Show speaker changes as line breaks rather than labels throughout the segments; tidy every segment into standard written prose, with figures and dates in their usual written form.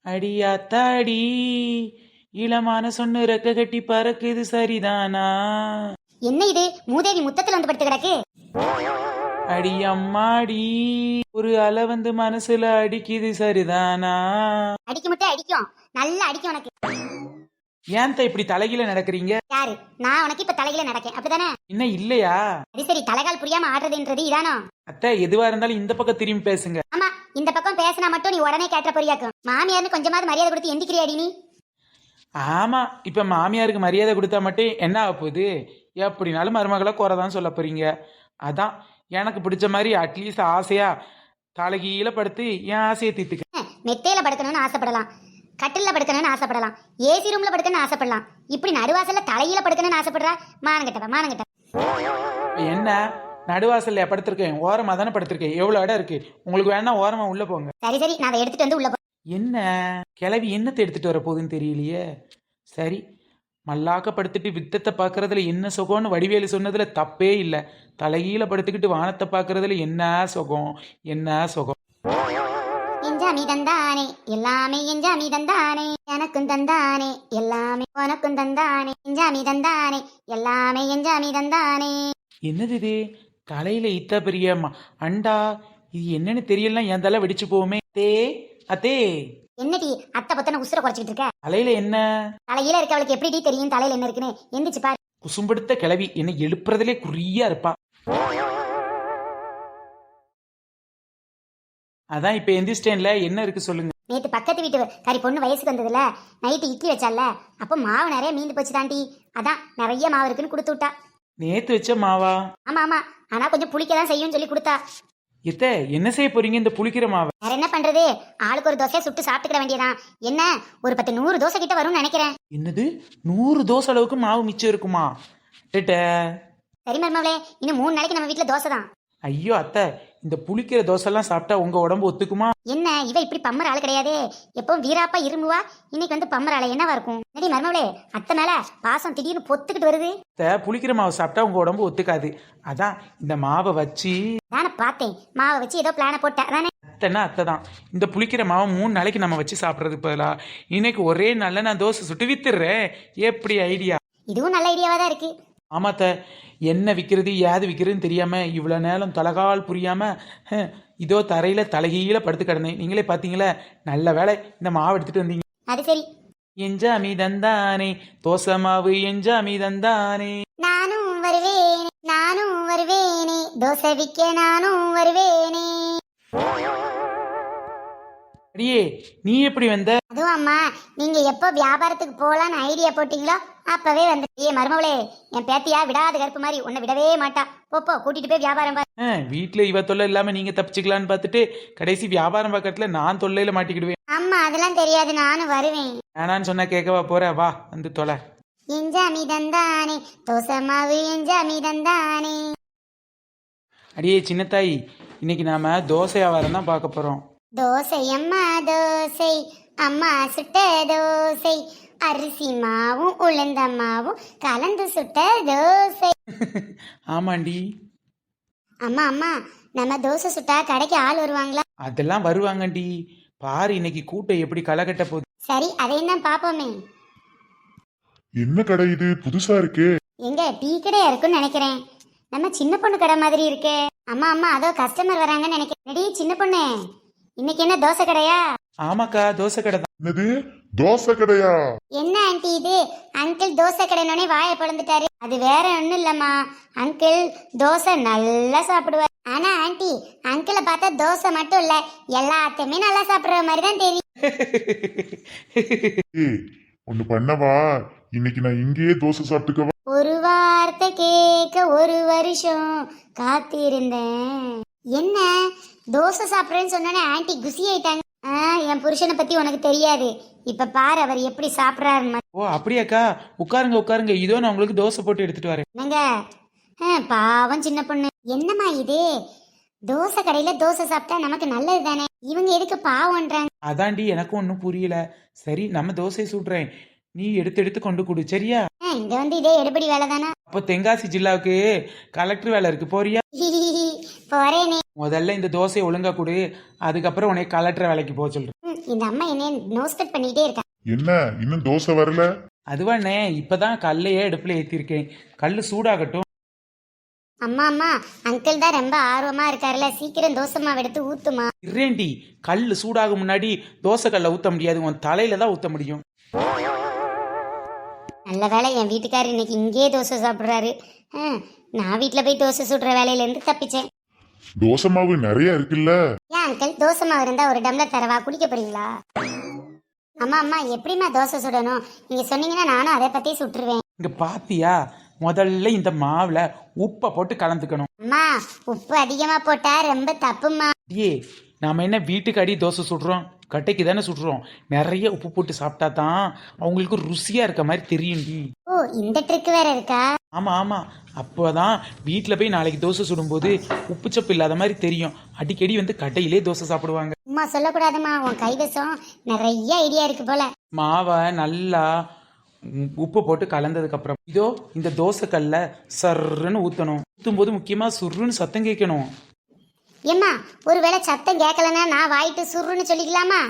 அடியாத்தாடி இளமான சொன்னு ரெக்க கட்டி பறக்குது சரிதானா?
என்ன இது மூதேவி முத்தத்துல வந்து படுத்து கிடக்கு?
அடி அம்மாடி ஒரு அலை வந்து மனசுல அடிக்குது சரிதானா?
அடிக்க மட்டும் அடிக்கும், நல்லா அடிக்கும் உனக்கு.
ஏன்த்த இப்படி தலைகீழ நடக்கிறீங்க?
யாரு? நான் உனக்கு இப்ப தலையில நடக்கேன் அப்படிதானே?
இன்னும் இல்லையா?
சரி சரி, தலைகால் புரியாம ஆடுறதுன்றது இதானோ?
அத்தை எதுவா இருந்தாலும் இந்த பக்கம் திரும்பி பேசுங்க.
ஆமா, இந்த பக்கம் பேசினா மட்டும் நீ உடனே கேட்ட பொரியாக்கும். மாமியார்னு கொஞ்சமாவது மரியாதை கொடுத்து எந்திக்கிறியாடி நீ?
ஆமா, இப்ப மாமியாருக்கு மரியாதை கொடுத்தா மட்டும் என்ன ஆக போகுது? எப்படினாலும் மருமகளை குறைதான் சொல்ல போறீங்க. அதான் எனக்கு பிடிச்ச மாதிரி அட்லீஸ்ட் ஆசையா தலைகீழ படுத்து என் ஆசையை தீர்த்துக்க.
மெத்தையில படுக்கணும்னு ஆசைப்படலாம், கட்டில்ல படுக்கணும்னு ஆசைப்படலாம், ஏசி ரூம்ல படுக்கணும்னு ஆசைப்படலாம். இப்படி நடுவாசல்ல தலையில படுக்கணும்னு ஆசைப்படுறா? மானங்கிட்டவ மானங்கிட்ட.
என்ன நடுவாசல்ல படுத்திருக்கேன், ஓரமா தானே படுத்திருக்கேன். எவ்வளவு இடம் இருக்கு உங்களுக்கு? வேணா ஓரமா உள்ள போங்க.
சரி சரி, நான் அதை எடுத்துட்டு வந்து உள்ள
என்ன கிளவி என்னத்தை எடுத்துட்டு வர போகுதுன்னு தெரியலையே. சரி, மல்லாக்க படுத்துட்டு வித்தத்தை பார்க்கறதுல என்ன சுகம்னு வடிவேலு சொன்னதுல தப்பே இல்லை. தலைகீழ படுத்துக்கிட்டு வானத்தை பார்க்கறதுல என்ன சுகம், என்ன சுகம்.
எஞ்சாமி தந்தானே எல்லாமே, எஞ்சாமி தந்தானே எனக்கும் தந்தானே எல்லாமே, உனக்கும் தந்தானே. எஞ்சாமி தந்தானே எல்லாமே, எஞ்சாமி தந்தானே.
என்னது இது? தலையில இத்த பெரிய அண்டா, இது என்னன்னு தெரியலாம். என் தலை வெடிச்சு போவுமே. அத்தே
என்னடி அத்தை பத்தன உசுர குறைச்சிட்டு இருக்க?
தலையில என்ன?
தலையில இருக்கவளுக்கு எப்படி தெரியும் தலையில என்ன இருக்குன்னு? எந்திரிச்சு பாரு.
குசும்படுத்த கிளவி என்ன எழுப்புறதுலே குறியா இருப்பா. அதான் இப்ப எந்திரிச்சிட்டேன்ல, என்ன இருக்கு சொல்லுங்க.
நேத்து பக்கத்து வீட்டு கறி பொண்ணு வயசுக்கு வந்ததுல நைட்டு இட்லி வச்சால, அப்ப மாவு நிறைய மீந்து போச்சு தாண்டி. அதான் நிறைய மாவு இருக்குன்னு கொடுத்து விட்டா.
நேத்து வச்ச மாவா?
ஆமா ஆமா, ஆனா கொஞ்சம் புளிக்கதான் செய்யும் சொல்லி கொடுத்தா.
எத்த என்ன செய்ய போறீங்க இந்த புளிக்கிற மாவை?
வேற என்ன பண்றது, ஆளுக்கு ஒரு தோசை சுட்டு சாப்பிட்டுக்கிட வேண்டியதான். என்ன ஒரு 10-100 தோசை கிட்ட வரும்னு நினைக்கிறேன்.
என்னது 100 தோசை அளவுக்கு மாவு மிச்சம் இருக்குமா?
சரி மருமவளே, இன்னும் 3 நாளைக்கு நம்ம வீட்டுல தோசை தான்.
ஐயோ அத்தை, இந்த புளிக்கிற தோசை எல்லாம் சாப்பிட்டா உங்க உடம்பு ஒத்துக்குமா?
என்ன இவ இப்படி பம்மர் ஆளு கிடையாதே, எப்பவும் வீராப்பா இரும்புவா, இன்னைக்கு வந்து பம்மர் ஆளு என்னவா இருக்கும்? நடி மருமவளே, அத்தை மேல பாசம் திடீர்னு பொத்துக்கிட்டு வருது.
புளிக்கிற மாவு சாப்பிட்டா உங்க உடம்பு ஒத்துக்காது. அதான் இந்த மாவை வச்சு
நானே பார்த்தேன், மாவை வச்சு ஏதோ பிளான போட்ட அதானே.
அத்தைன்னா அத்தை தான். இந்த புளிக்கிற மாவை 3 நாளைக்கு நம்ம வச்சு சாப்பிட்றது பதிலா இன்னைக்கு ஒரே நாள்ல நான் தோசை சுட்டு வித்துடுறேன். எப்படி ஐடியா?
இதுவும் நல்ல ஐடியாவா தான் இருக்கு.
ஆமாத்த, என்ன விற்கிறது ஏது விற்கிறதுன்னு தெரியாம இவ்வளோ நேரம் தலைகால் புரியாம இதோ தரையில தலைகீழ படுத்து கிடந்தேன். நீங்களே பார்த்தீங்களே, நல்ல வேலை இந்த மாவு எடுத்துட்டு வந்தீங்க.
அது சரி.
எஞ்சாமி தந்தானே தோசை மாவு, எஞ்சாமி தந்தானே.
நானும் வருவேனே, நானும் வருவேனே, தோசை விற்க நானும் வருவேனே.
அடியே நீ எப்படி வந்த?
அதுவும் அம்மா, நீங்க எப்போ வியாபாரத்துக்கு போலான்னு ஐடியா போட்டீங்களோ அப்பவே வந்து. ஏ மருமவளே, என் பேத்தியா விடாத கருப்பு மாதிரி, உன்னை விடவே மாட்டா. போ கூட்டிட்டு போய் வியாபாரம் பாரு.
வீட்டுல இவ தொல்லை இல்லாம நீங்க தப்பிச்சுக்கலான்னு பார்த்துட்டு கடைசி வியாபாரம் பக்கத்துல நான் தொல்லையில மாட்டிக்கிடுவேன்.
அம்மா அதெல்லாம் தெரியாது, நானும் வருவேன்.
வேணான்னு சொன்னா கேட்கவா போற? வா வந்து தொலை.
எஞ்சாமி தந்தானே தோசை மாவு, எஞ்சாமி தந்தானே.
அடியே சின்னத்தாய், இன்னைக்கு நாம தோசை வியாபாரம் தான் பார்க்க போறோம்.
தோசை அம்மா தோசை, அம்மா சுட்ட தோசை, அரிசி மாவும் உளுந்த மாவும் கலந்து சுட்ட தோசை.
ஆமாண்டி.
அம்மா அம்மா, நம்ம தோசை சுட்டா கடைக்கு ஆள் வருவாங்களா?
அதெல்லாம் வருவாங்கண்டி. பாரு இன்னைக்கு கூட்டம் எப்படி களை கட்ட போகுது.
சரி, அதையும் தான் பாப்போமே.
என்ன கடை இது, புதுசா இருக்கே?
எங்க டீ கடையா இருக்குன்னு நினைக்கிறேன். நம்ம சின்ன பொண்ணு கடை மாதிரி இருக்கே. அம்மா அம்மா, அதோ கஸ்டமர் வராங்கன்னு நினைக்கிறேன். சின்ன பொண்ணு, இன்னைக்கு என்ன தோசை கடையா?
ஆமாக்கா, தோசை கடை தான்.
என்னது தோசை கடையா?
என்ன ஆண்டி இது, அங்கிள் தோசை கடைனோடனே வாயை பிளந்துட்டாரு. அது வேற ஒண்ணும் இல்லம்மா, அங்கிள் தோசை நல்லா சாப்பிடுவார். ஆனா ஆண்டி, அங்கிளை பார்த்தா தோசை மட்டும் இல்ல எல்லாத்தையுமே நல்லா சாப்பிடுற மாதிரி தான் தெரியும்.
ஒண்ணு பண்ணவா, இன்னைக்கு நான் இங்கேயே தோசை சாப்பிட்டுக்கவா?
ஒரு வார்த்தை கேட்க 1 வருஷம் காத்திருந்தேன். என்ன தோசை சாப்பிட்றேன்னு சொன்னோன்னே ஆண்டி குசி ஆயிட்டாங்க. என் புருஷனை பத்தி உனக்கு தெரியாது, இப்ப பாரு அவர் எப்படி சாப்பிட்றாரு.
ஓ அப்படியாக்கா, உட்காருங்க உட்காருங்க, இதோ நான் உங்களுக்கு தோசை போட்டு எடுத்துட்டு வரேன்.
என்னங்க பாவம் சின்ன பொண்ணு. என்னம்மா இது, தோசை கடையில தோசை சாப்பிட்டா நமக்கு நல்லது தானே, இவங்க எதுக்கு பாவம்ன்றாங்க?
அதாண்டி எனக்கும் ஒன்றும் புரியல. சரி நம்ம தோசையை சுடுறேன், நீ எடுத்து எடுத்து கொண்டு கொடு சரியா?
இங்க வந்து இதே எடுபடி வேலை தானே.
அப்போ தென்காசி ஜில்லாவுக்கு கலெக்டர் வேலை இருக்கு, போறியா?
போறேனே.
முதல்ல இந்த தோசையை ஒழுங்கா கொடு, அதுக்கப்புறம் உனக்கு கலெக்டர் வேலைக்கு போக சொல்றேன்.
இந்த அம்மா என்ன நோஸ்கட் பண்ணிட்டே இருக்கா.
என்ன இன்னும் தோசை வரல?
அதுவாண்ணே இப்பதான் கல்லையே அடுப்புல ஏத்திருக்கேன். கல்லு சூடாகட்டும்.
அம்மா அம்மா, அங்கிள் தான் ரொம்ப ஆர்வமா இருக்காருல்ல, சீக்கிரம் தோசை மாவு எடுத்து ஊத்துமா.
இரேண்டி கல்லு சூடாக முன்னாடி தோசை கல்ல ஊத்த முடியாது, உன் தலையில தான் ஊத்த முடியும்.
நல்ல வேளை என் வீட்டுக்காரர் இன்னைக்கு இங்கேயே தோசை சாப்பிட்றாரு. நான் வீட்டில் போய் தோசை சுடுற வேலையிலேருந்து தப்பிச்சேன்.
தோசை மாவு நிறைய இருக்குல்ல?
ஏன் அங்கிள், தோசை மாவு இருந்தா ஒரு டம்ளர் தரவா, குடிக்க போறீங்களா? அம்மா அம்மா, எப்படிம்மா தோசை சுடணும் நீங்க சொன்னீங்கன்னா நானும் அதை பத்தி சுட்டுருவேன்.
இங்க பாத்தியா, முதல்ல இந்த மாவுல உப்பை போட்டு கலந்துக்கணும்.
அம்மா, உப்பு அதிகமா போட்டா ரொம்ப தப்புமா.
ஏ நாம என்ன வீட்டுக்கு அடி தோசை சுடுறோம், கட்டைக்கு தானே சுடுறோம். நிறைய உப்பு போட்டு சாப்பிட்டா தான் அவங்களுக்கு ருசியா இருக்க மாதிரி தெரியும்டி.
ஓ, இந்த ட்ரிக் வேற இருக்கா?
ஆமா ஆமா, அப்போதான் வீட்டில் போய் நாளைக்கு தோசை சுடும்போது உப்பு சப்பு இல்லாத மாதிரி தெரியும். அடிக்கடி வந்து கட்டையிலே தோசை சாப்பிடுவாங்க.
அம்மா சொல்லக்கூடாதுமா, உன் கைவசம் நிறைய ஐடியா இருக்கு போல.
மாவை நல்லா உப்பு போட்டு கலந்ததுக்கு அப்புறம் இதோ இந்த தோசை கல்ல சர்ன்னு ஊற்றணும். ஊற்றும் போது முக்கியமாக சுருன்னு சத்தம் கேட்கணும்.
ஏம்மா, ஒருவேளை சத்தம் கேட்கலன்னா நான் வாயிட்டு சுருன்னு சொல்லிக்கலாமா?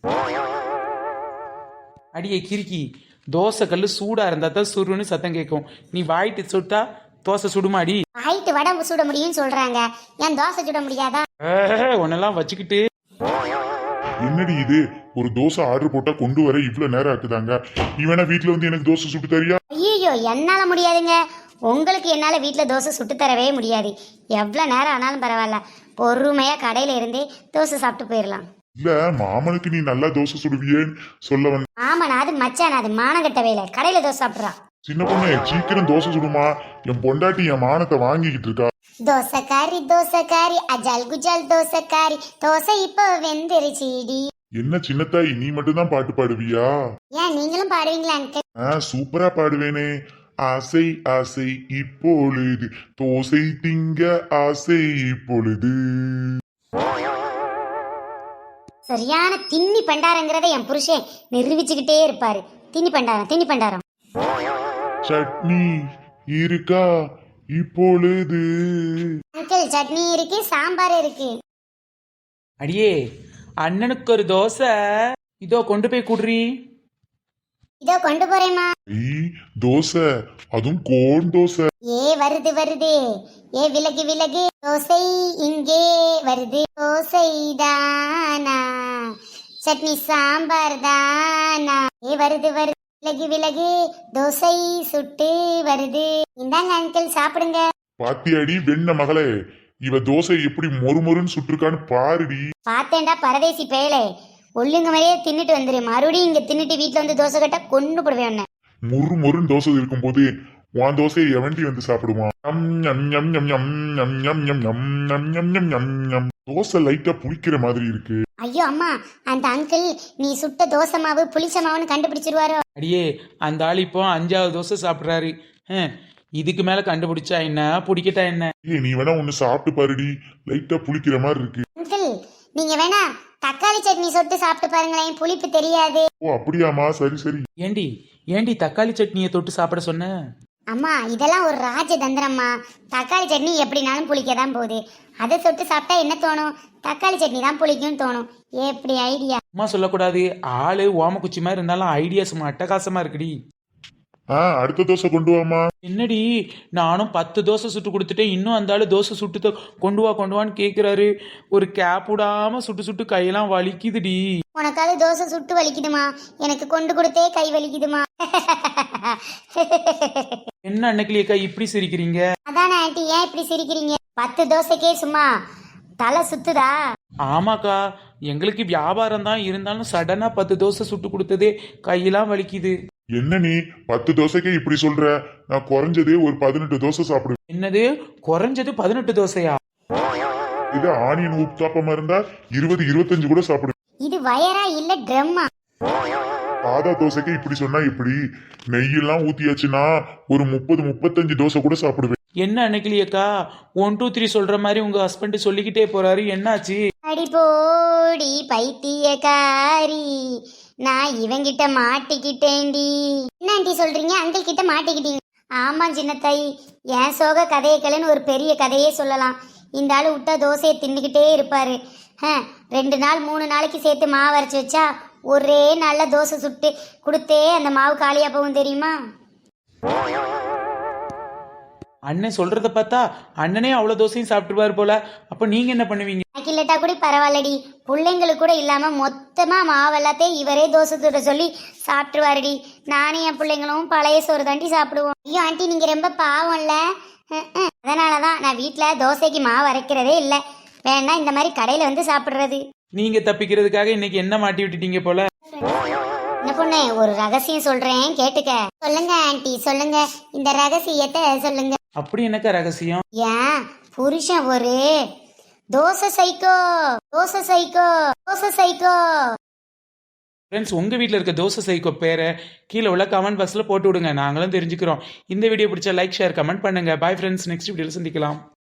அடியே கிறுக்கி, தோசை கல் சூடா இருந்தா தான் சுருன்னு சத்தம் கேட்கும். நீ வாயிட்டு சுட்டா தோசை சுடுமாடி.
வாயிட்டு வடை சுட முடியும்னு சொல்றாங்க, ஏன் தோசை சுட முடியாதா?
உன்னெல்லாம் வச்சுக்கிட்டு.
என்னடி இது, ஒரு தோசை ஆர்டர் போட்டா கொண்டு வர இவ்வளவு நேரம் ஆக்குதாங்க. நீ வேணா வீட்டுல வந்து எனக்கு தோசை சுட்டு தரியா?
ஐயோ, என்னால முடியாதுங்க. உங்களுக்கு என்னால வீட்டுல தோசை சுட்டு தரவே முடியாது. எவ்வளவு நேரம் ஆனாலும் பரவாயில்ல, பொறுமையா கடையில இருந்தே தோசை சாப்பிட்டு போயிடலாம்.
இல்ல, மாமனுக்கு நீ நல்லா தோசை சுடுவியேன்னு சொல்ல வந்த.
ஆமாண்ணா, அது மச்சான், அது மானங்கட்ட வேலை. கடையில தோசை சாப்பிட்றான்.
சின்ன பொண்ணு சீக்கிரம் தோசை சுடுமா, என் பொண்டாட்டி என் மானத்தை வாங்கிக்கிட்டு இருக்கா.
தோசைக்காரி அஜால் குஜால் தோசைக்காரி, தோசை இப்போ வெந்திருச்சிடி.
என்ன சின்னத்தாய், நீ மட்டும் தான் பாட்டு பாடுவியா?
ஏன் நீங்களும் பாடுவீங்களா அங்கிள்?
சூப்பரா பாடுவேனே. ஆசை ஆசை இப்பொழுது தோசை திங்க ஆசை இப்பொழுது.
சரியான தின்னி பண்டாரங்கிறத என் புருஷன் நிரூபிச்சுக்கிட்டே இருப்பாரு. தின்னி பண்டாரம்.
சட்னி இருக்கா இப்பொழுது?
அங்கிள், சட்னி இருக்கு, சாம்பார் இருக்கு.
அடியே, அண்ணனுக்கு ஒரு தோசை இதோ கொண்டு போய் குடுறி.
இதோ கொண்டு போறேம்மா.
தோசை, அதுவும் கோன் தோசை.
வருது. விலகு, தோசை இங்கே வருது. தோசை தானா, சட்னி சாம்பார் தானா. வருது, விலகு, தோசை சுட்டு வருது. இந்தாங்க அங்கிள், சாப்பிடுங்க.
பாத்தியாடி வெண்ண மகளே, இவ தோசை எப்படி மொறுமொறுன்னு சுட்டுருக்கான்னு பாருடி.
பார்த்தேன்டா பரதேசி பேலே, ஒல்லுங்க மாதிரியே தின்னுட்டு வந்துரு. மறுபடியும் இங்க தின்னுட்டு வீட்டுல வந்து தோசை கட்டா கொண்டு போடுவேன்.
மொறுமொறுன்னு தோசை இருக்கும் போது உன் தோசையை எவன்டி வந்து சாப்பிடுவான்? தோசை லைட்டா புளிக்கிற மாதிரி இருக்கு.
ஐயோ அம்மா, அந்த அங்கிள் நீ சுட்ட தோசை மாவு புளிச்ச மாவுன்னு கண்டுபிடிச்சிருவாரோ?
அடியே, அந்த ஆள் இப்போ 5வது தோசை சாப்பிட்றாரு. இதுக்கு மேல கண்டுபிடிச்சா என்ன, பிடிக்கட்டா என்ன?
நீ வேணா ஒண்ணு சாப்பிட்டு பாருடி, லைட்டா புளிக்கிற மாதிரி இருக்கு.
அங்கிள், நீங்க வேணா தக்காளி சட்னி சொட்டு சாப்பிட்டு பாருங்களேன், புளிப்பு தெரியாது.
ஓ அப்படியாமா, சரி.
ஏண்டி தக்காளி சட்னியை தொட்டு சாப்பிட சொன்ன?
அம்மா, இதெல்லாம் ஒரு ராஜதந்திரம்மா. தக்காளி சட்னி எப்படினாலும் புளிக்கதான் போகுது. அதை தொட்டு சாப்பிட்டா என்ன தோணும்? தக்காளி சட்னி தான் புளிக்கும்னு தோணும். எப்படி ஐடியா?
அம்மா சொல்லக்கூடாது, ஆளு ஓமக்குச்சி மாதிரி இருந்தாலும் ஐடியாஸ் அட்டகாசமா இருக்குடி.
அடுத்த தோசை கொண்டு வாமா.
என்னடி, நானும் 10 தோசை சுட்டு கொடுத்துட்டேன், இன்னும் அந்த ஆளு தோசை சுட்டு கொண்டு வான்னு கேக்குறாரு. ஒரு கேப் விடாம சுட்டு கையெல்லாம் வலிக்குதுடி.
உனக்காவது தோசை சுட்டு வலிக்குதுமா, எனக்கு கொண்டு கொடுத்தே கை வலிக்குதுமா.
என்ன அன்னைக்கிலேக்கா இப்படி சிரிக்கிறீங்க?
அதானே ஆண்டி, ஏன் இப்படி சிரிக்கிறீங்க? 10 தோசைக்கே சும்மா தலை சுத்துதா?
ஆமாக்கா, எங்களுக்கு வியாபாரம் தான், இருந்தாலும் சடனா 10 தோசை சுட்டு கொடுத்ததே கையெல்லாம் வலிக்குது.
என்ன நீ 10 தோசைக்கே இப்படி சொல்ற? நான் குறைஞ்சதே ஒரு 18 தோசை சாப்பிடுவேன்.
என்னது, குறைஞ்சது 18 தோசையா?
இது ஆனியன் ஊத்தாப்பமா இருந்தா 20-25 கூட சாப்பிடுவேன்.
இது வயரா இல்ல ட்ரம்மா?
சாதா தோசைக்கே இப்படி சொன்னா இப்படி நெய்யெல்லாம் ஊத்தியாச்சுன்னா ஒரு 30-35 தோசை கூட சாப்பிடுவேன்.
என்ன அன்னைக்கிலேக்கா 1 2 3 சொல்ற மாதிரி உங்க ஹஸ்பண்ட் சொல்லிக்கிட்டே போறாரு, என்னாச்சு?
அடி போடி பைத்தியக்காரி, நான் இவங்கிட்ட மாட்டிக்கிட்டேன்டி. என்ன ஆண்டி சொல்றீங்க? அங்கிள் கிட்ட மாட்டிக்கிட்டீங்க? ஆமா சின்னத்தாய், என் சோக கதையக்கலன்னு ஒரு பெரிய கதையே சொல்லலாம். இந்த ஆளு விட்டா தோசையை தின்னுக்கிட்டே இருப்பாரு. 2 நாள் 3 நாளைக்கு சேர்த்து மாவு அரைச்சி வச்சா ஒரே நாள்ல தோசை சுட்டு கொடுத்தே அந்த மாவு காலியா போகும் தெரியுமா?
அண்ணன் சொல்றத பார்த்தா அண்ணனே அவ்வளோ தோசையும் சாப்பிட்டுருவார் போல. அப்போ நீங்க என்ன பண்ணுவீங்க?
எனக்கு இல்லட்டா கூட பரவாயில்லடி, பிள்ளைங்களுக்கு கூட இல்லாம மொத்தமா மாவு எல்லாத்தையும் இவரே தோசை சுட சொல்லி சாப்பிட்டுருவாருடி. நானும் என் பிள்ளைங்களும் பழைய சோறு தாண்டி சாப்பிடுவோம். ஐயோ ஆண்டி நீங்க ரொம்ப பாவம்ல. அதனாலதான் நான் வீட்டுல தோசைக்கு மாவு அரைக்கிறதே இல்லை. வேணா இந்த மாதிரி கடையில வந்து சாப்பிடுறது.
நீங்க தப்பிக்கிறதுக்காக இன்னைக்கு என்ன மாட்டி விட்டுட்டீங்க போல.
என்ன பொண்ணு, ஒரு ரகசியம் சொல்றேன் கேட்டுக்க. சொல்லுங்க ஆண்டி சொல்லுங்க, இந்த ரகசியத்தை சொல்லுங்க.
அப்படி என்னக்கா ரகசியம்?
ஏன் புருஷன் ஒரு dosa psycho, dosa psycho, dosa psycho.
Friends, உங்கள் வீட்டில் இருக்க தோசை சைக்கோ பேரை கீழே உள்ள கமெண்ட் பாக்ஸில் போட்டு விடுங்க, நாங்களும் தெரிஞ்சுக்கிறோம். இந்த வீடியோ பிடிச்சா லைக் ஷேர் கமெண்ட் பண்ணுங்கள். பாய் ஃப்ரெண்ட்ஸ், நெக்ஸ்ட் வீடியோவில் சந்திக்கலாம்.